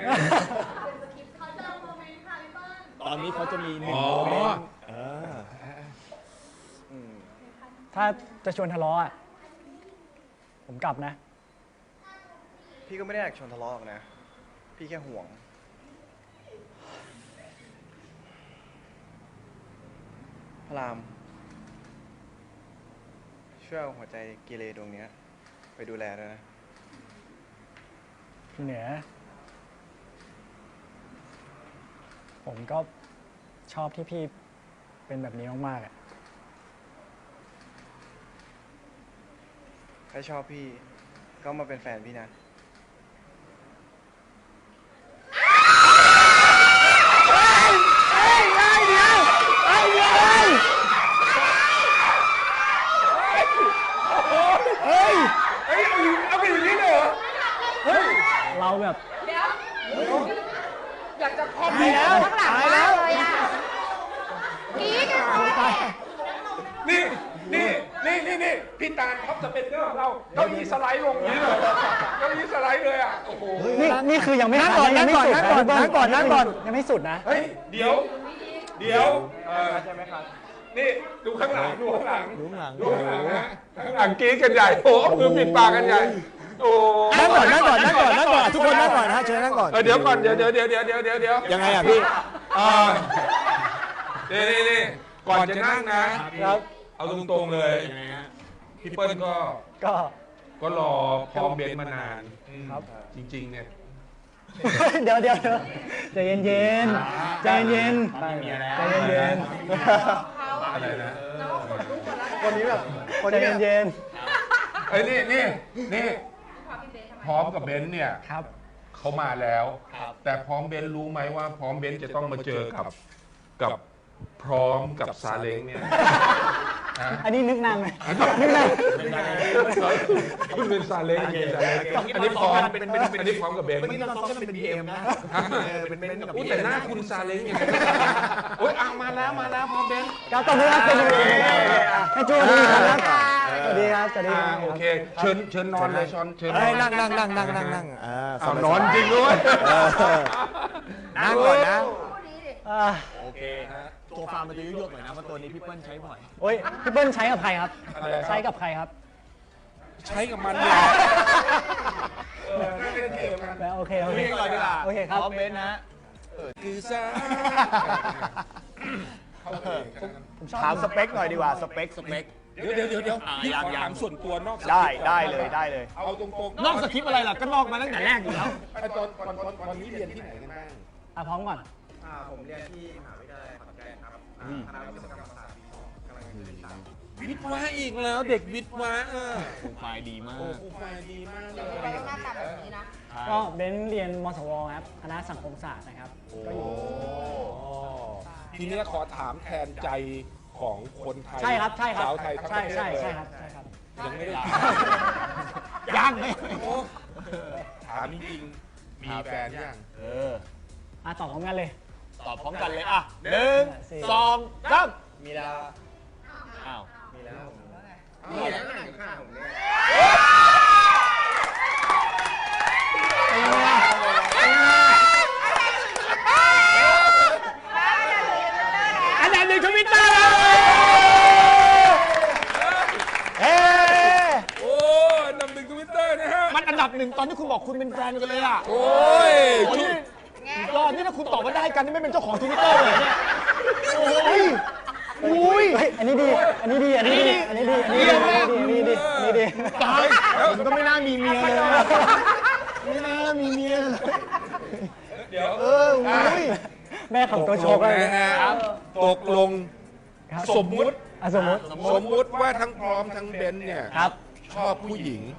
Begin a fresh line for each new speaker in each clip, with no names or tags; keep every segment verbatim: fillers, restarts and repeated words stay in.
ตอนนี้เขาจะมีหนึ่งโมเมนต์
ถ้าจะชวนทะเลาะอ่ะผมกลับนะ
พี่ก็ไม่ได้อยากชวนทะเลาะนะพี่แค่ห่วงพระรามช่วยเอาหัวใจกีเลดวงนี้ไปดูแลด้วยนะ
พี่เหนือผมก็ชอบที่พี่เป็นแบบนี้มากๆอ่ะ
ถ้าชอบพี่ก็มาเป็นแฟนพี่นะ
เฮ้ยเฮ้ยเฮ้ยเดี๋ยวเฮ้ยเดี๋ยวเฮ้ยเฮ้ยเฮ้ยเอาไปอย่างนี้เลยเหรอเฮ้ยเราแบบเดี๋ยว
อยากจะคอมเมนต์ข้างหลังมากเลยอ่ะกรี๊ดกันเลย
นี่นี่นี่นี่นี่พี่ตาลท็อปสเปนเดอร์ของเราเก้าอี้สไลด์ลงนี้เลยเก้าอี้สไลด์เลยอ่ะโอ้โห
นี่นี่คือยังไม่นั่งก่อนนั่งก่อนนั่งก่อนนั่งก่อนนั่งก่อนยังไม่สุดนะ
เฮ้ยเดี๋ยวเดี๋ยวเออใช่ไหมครับนี่ดูข้างหลังดูข้างหลัง
ดูข้างหลัง
ดูข้างหลังนะข้างหลังกรี๊ดกันใหญ่โอ้มือปิดปากกันใหญ่โอ้
นั่งก่อนนั่งก่อนนั่งก่อนนั่งก่อนทุกคนนั่งก่อนนะเชิญนั่งก่อน
เดี๋ยวก่อนเดี๋ยวเดี๋ยวเดี๋ยวเดี๋ยวเดี๋ยวเดี๋ยวเดี๋ยว
ยังไงอ่ะพี่
อ่านี่นี่นี่ก่อนจะนั่งนะครับเอาตรงๆเลยพี่เปิ้ลก็
ก็
ก็รอพร้อมเบนมานานครับจริงๆเนี่ย
เดี๋ยวเดี๋ยวใจเย็นเย็นใจเย็นใจเย็นเย็น
อะไรนะ
คนนี้แบบ
ใจเย็นเย็น
ไอ้นี่นี่นี่พร้อมกับเบนเนี่ยเขามาแล้วแต่พร้อมเบนรู้ไหมว่าพร้อมเบนจะต้องมาเจอกับกับพร้อมกับซาเล้งเนี่ย
อันนี้นึกนานไหมนึกนาน
คุณเป็นซาเล้งซาเล้งอันนี้พร้อมอันนี้พร้อมกับเบน
ไม่ต้องซ้อมกันเป็นบีเอ็มนะเป็นเบนกับ
แต่หน้าคุณซาเล้งอย่างนี้โอ๊ยเอามาแล้วมาแล้วพร้อมเบน
ก้าวต่อไปครับให้จูดีครับสวัสดีครับสวัสดีครับ
โอเคเชิญเชิญนอนเลยชอนเชิญ
นั่งนั่งนั่งนั่งนั่งนั่ง
เอานอนจริงด้วย
นั่งก่อนนะ
โอ
เคฮะตัวฟาร์มมันจะยุ่ยๆหน่อยนะเพราะตัวนี้พี่เปิ้ลใช้บ่อย
โอ้ยพี่เปิ้ลใช้กับใครครับใช้กับใครครับ
ใช้กับมันเนี่ย
แล้วโอเคโอเคโอเคครับ
คอมเมนต์นะ
คือซา
ถามสเปคหน่อยดีกว่าสเปคสเปค
เดี๋ยวเดี๋ยวเดี๋ยวเดี๋ยวพี่ขอถามส่วนตัวนอก
ได้ได้เลยได้เลย
เอาตรง
ๆนอกสคริปต์อะไรล่ะก็นอกมาตั้งแต่แรกอยู่แล้ว
ตอนตอนตอนนี้เรียนที่ไหนกันบ้าง
อ่ะพร้อมก่อน
ผมเรียนที่มหาวิทยาลัยขอนแก่นครับคณะวิศวกรรมศาสตร์ปีสองกำลังจะเรียนสาม
วิทย์วะอีกแล้วเด็กวิทย์วะเออ
ครูฝ่ายดีมาก
ครูฝ่ายดีมากเลย
หน้าตาแบบนี้นะ
ก็เบนเรียนมสวครับคณะสังคมศาสตร์นะครับก็อยู่
ทีนี้ขอถามแทนใจของคนไทย
ใช่ครับใช่ครับ
สาวไทยทั้งประเทศ
ใช่ใช่ครับใช่ครับ
ยังไม่ได้
ยังไม่
ถามจริงๆมีแฟนยัง
เออ
อ่ะตอบพร้อมกันเลย
ตอบพร้อมกันเลยอ่ะหนึ่งสองสาม
มีแล้ว
อ้าว
มีแล้วมีแล้วนั่งอยู่ข้างผมเนี่ย
อันดับหนึ่งทวิตเตอร์เฮ้
โอ้อันดับหนึ่งทวิตเตอร์นะฮะ
มันอันดับหนึ่งตอนที่คุณบอกคุณเป็นแฟนกันเลยอ่ะ
โอ้ย
ยอดนี่ถ้าคุณตอบมาได้กันนี่ไม่เป็นเจ้าของทวิตเตอร์เลยเนี่ยโอ้ย
อุ้ยอันนี้ดีอันนี้ดีอันนี้ดีอันนี้ดีอันนี้ดีอันนี้ดีอันนี้ดี
ตายผมก็ไม่น่ามีเมียเลยไม่น่ามีเมีย
เดี๋ยว
เอออุ้ย
แม่ของตัวโชก
นะฮะตกลงสมมุติ
สมมุติ
สมมุติว่าทั้งพร้อมทั้งเบนเนี่ยชอบผู้หญิง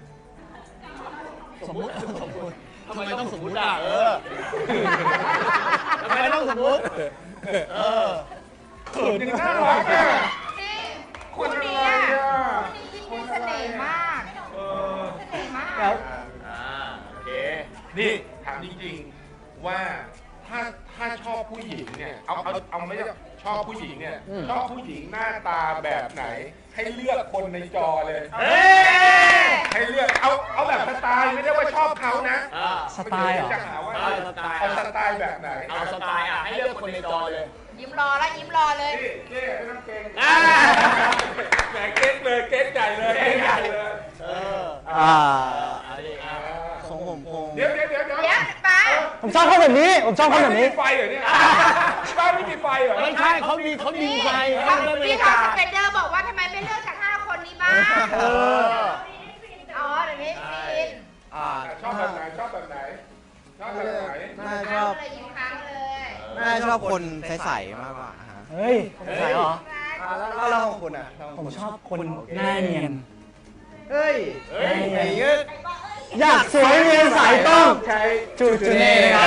สมมุติสมมุติทำไมต้องสมมุติอ่ะเออทำไมต้องสมมุติเออ
เขินจริงน่ารักอ่ะ
คนนี้อ่ะคนนี้มีเสน่ห์มากเสน่ห์มาก
แล้วโอเคนี่ถามจริงๆว่าถ้าถ้าชอบผู้หญิงเนี่ยเอาเอาเอาไม่ใช่ชอบผู้หญิงเนี่ยชอบผู้หญิงหน้าตาแบบไหนให้เลือกคนในจอเลยให้เลือกเอาเอาแบบสไตล์ไม่ได้ว่าชอบเขานะ
สไตล์เหรอ
จะหาว่า
สไตล์
เอาสไตล์แบบไหน
เอาสไตล์อ่ะให้เลือกคนในจอเลย
ยิ้มรอแล้วยิ้มรอเลย
นี่เก้ไม่ต้องเกรง
อ่า
แหมเก๊กเลยเก๊กใหญ่เลยเก๊กใหญ่เลย
เออ
อ่า
เอาดิอ่ะ
ของผมคง
เดี๋ยวเดี๋ยวเดี๋ยวเดี๋ยว
เดี๋ยวป้า
ผมชอบเขาแบบนี้ ผมชอบเขาแบบนี้
ไม่มีไฟเหรอเนี่ยบ้านไม่มีไฟเหรอ
ไม่ใช่เขามีเขาดีไฟ
พี่ทอมสเปนเดอร์บอกว่าทำไมไม่เลือกจากห้าคนนี้บ้าง
เออ
อ๋อเดี๋ยวนี้ฟิน
อ่า
ชอบแบบไหนชอบแบบไหนชอบแบบไหน
น่าช
ค้า
อง บ
เลยยิ้มค้างเลย
น่าชอบคนใสๆมากกว่าฮะ
เฮ้ยใช่เหรอ
อ่าแล้วแล้วเราของคุณอ่ะ
ผมชอบคนหน้าเนียน
เฮ้ย
เฮ้ย
อย่างเงี้ย
อยากสวยเนียนใสต้อง
ใช้
จูจูเน่ครับ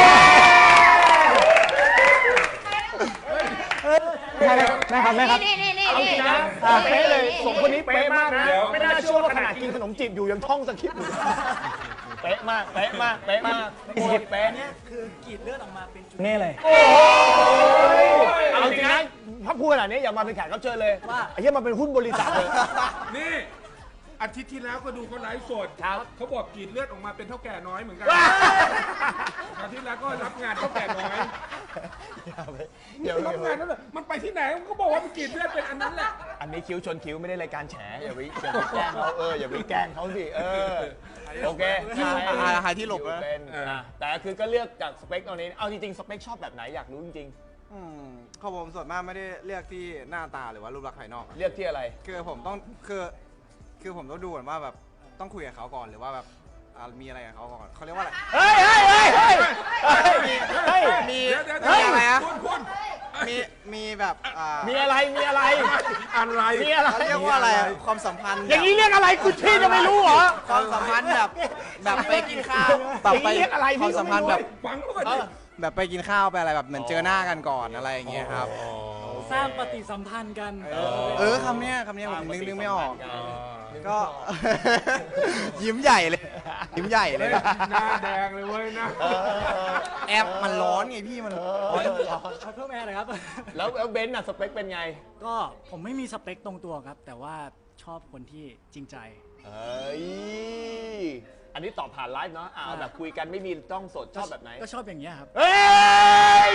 แม่ครับแม่ครับ
นี่นี่นี่
เอาจ
นี่
ริงนะเป๊ะเลยสองคนนี้เป๊ะมากนะ ไม่น่าเชื่อว่าขนาดกินขนมจีบอยู่ยังท่องสคริปต์อยู่เป๊ะมาก เป๊ะมาก เป๊ะมากโคตรเป๊ะเนี่ย
เน่เลย
เอาจริงนะถ้าพูดขนาดนี้อย่ามาเป็นแขกรับเชิญเลยว่าไอ้เหี้ยมาเป็นหุ้นบริษัทเลย
นี่อาทิตย์ที่แล้วก็ดูเขาไลฟ์สด
ครับ
เขาบอกกรีดเลือดออกมาเป็นเท่าแก่น้อยเหมือนกันอาทิตย์แล้วก็รับงานเท่าแก่น้อย
เดี๋ยว
รับงานนั่นแหละมันไปที่ไหนมันก็บอกว่ามันกรีดเลือดเป็นอันนั้นแหละ
อันนี้คิ้วชนคิ้วไม่ได้รายการแฉอย่าไปอย่าไปแกล้งเขาเอออย่าไปแกล้งเขาสิเออโอเค
หาหาหาที่หลบนะ
เป็นอ่ะแต่คือก็เลือกจากสเปคตอนนี้เอาจริงๆสเปคชอบแบบไหนอยากรู้จริง
อืมของผมส่วนมากไม่ได้เลือกที่หน้าตาหรือว่ารูปลักษณ์ภายนอก
ๆเลือกที่อะไร
คือผมต้องคือคือผมต้องดูก่อนว่าแบบต้องคุยกับเขาก่อนหรือว่าแบบอ่ามีอะไรกับเขาก่อนเขาเรียกว่าอะไร
เฮ้ยเฮ้ยเฮ้ยเฮ้ยเฮ้ย
มี
เดี๋ยวเดี๋ยว
มีอะไรอะ
คุณคุณ
มีมีแบบอ่า
มีอะไรมีอะไร
อะไร
มีอะไร
เขาเรียกว่าอะไรอะความสัมพันธ์
อย่างนี้เรียกอะไรคุณพี่จะไม่รู้เหรอ
ความสัมพันธ์แบบแบบไปกินข้าว
อย่างนี้เรียกอะไร
ค
พี่
วาม
ก็
สัม
ไม่
พันธ์
รู้
แบบ
ฟังเขาก่อน
เอ
ดิ
อ
แบบไปกินข้าวไปอะไรแบบเหมือนเจอหน้ากันก่อนอะไรอย่างเงี้ยครับ
สร้างปฏิสัมพันธ์กัน
เออเออคำเนี้ยคำเนี้ยผมนึกนึกไม่ออก ก็ ยิ้มใหญ่เลย ยิ้มใหญ่เลย
หน้าแดงเลยเว้ยนะ
แอปมันร้อนไงพี่มันร้อน
เพิ่มแอร์หน่อยครับ
แล้วแล้วเบนซ์น่ะสเปคเป็นไง
ก็ผมไม่มีสเปคตรงตัวครับ แต่ว่าชอบคนที่จริงใจ
เอ้ยอันนี้ตอบผ่านไลฟ์เนาะอ่าแบบคุยกันไม่มีต้องสดชอบแบบไหน
ก็ชอบอย่างเงี้ยครับ
เฮ้ย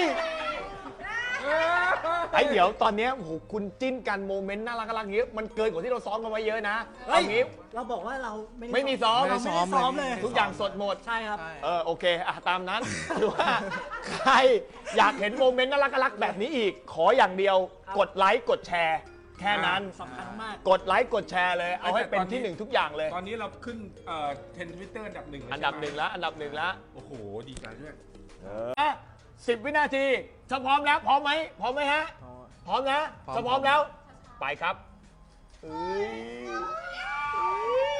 ไอ้เดี๋ยวตอนเนี้ยโอ้โหคุณจิ้นกันโมเมนต์น่ารักน่ารักเงี้ยมันเกินกว่าที่เราซ้อมกันไว้เยอะนะ
เฮ้ย
เอางี้
เราบอกว่าเราไม่ได้
ไม่มีซ้อม
เราไม่ได้ซ้อมเลย
ทุกอย่างสดหมด
ใช่ครับ
เออโอเคอ่ะตามนั้นหรือว่าใครอยากเห็นโมเมนต์น่ารักน่ารักแบบนี้อีก ขออย่างเดียวกดไลค์กดแชร์ แค่นั้น
สำคัญมาก
กดไลค์กดแชร์เลย เอาให้เป็นที่หนึ่งทุกอย่างเลย
ตอนนี้เราขึ้นเอ่อเทรนด์ทวิตเตอร์อันดับหนึ่ง
อันดับหนึ่งแล้วอันดับหนึ่งแล้ว
โอ้โห ดีใจด้วย
อ่ะสิบวินาทีถ้าพร้อมแล้วพร้อมไหมพร้อมไหมฮะ พร้อมนะถ้าพร้อมแล้ว ไปครับเอ้ย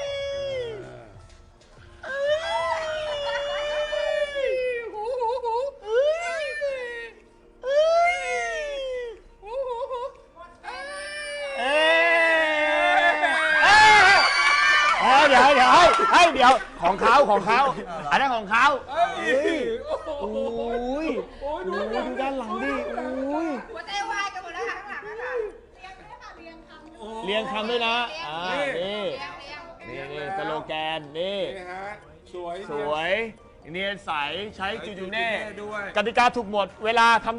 เอ้ยเดี๋ยวเดี๋ยวให้ให้เดี๋ยวของเขาของเขาอันนั้นของเขาโอ้ยโอ้ยดูด้านหลังดิโอ้ย
หัวใจวายกันหมดแล้วค่ะข้างหลังนะคะ
เรียงคำด้วยนะอ่านี่
เรียงเรียง
นี่นี่สโลแกนนี่
นี่ฮะ สวย
สวยเนียนใสใช้จูจูเน่
ด้วย
กติกาถูกหมดเวลาทำ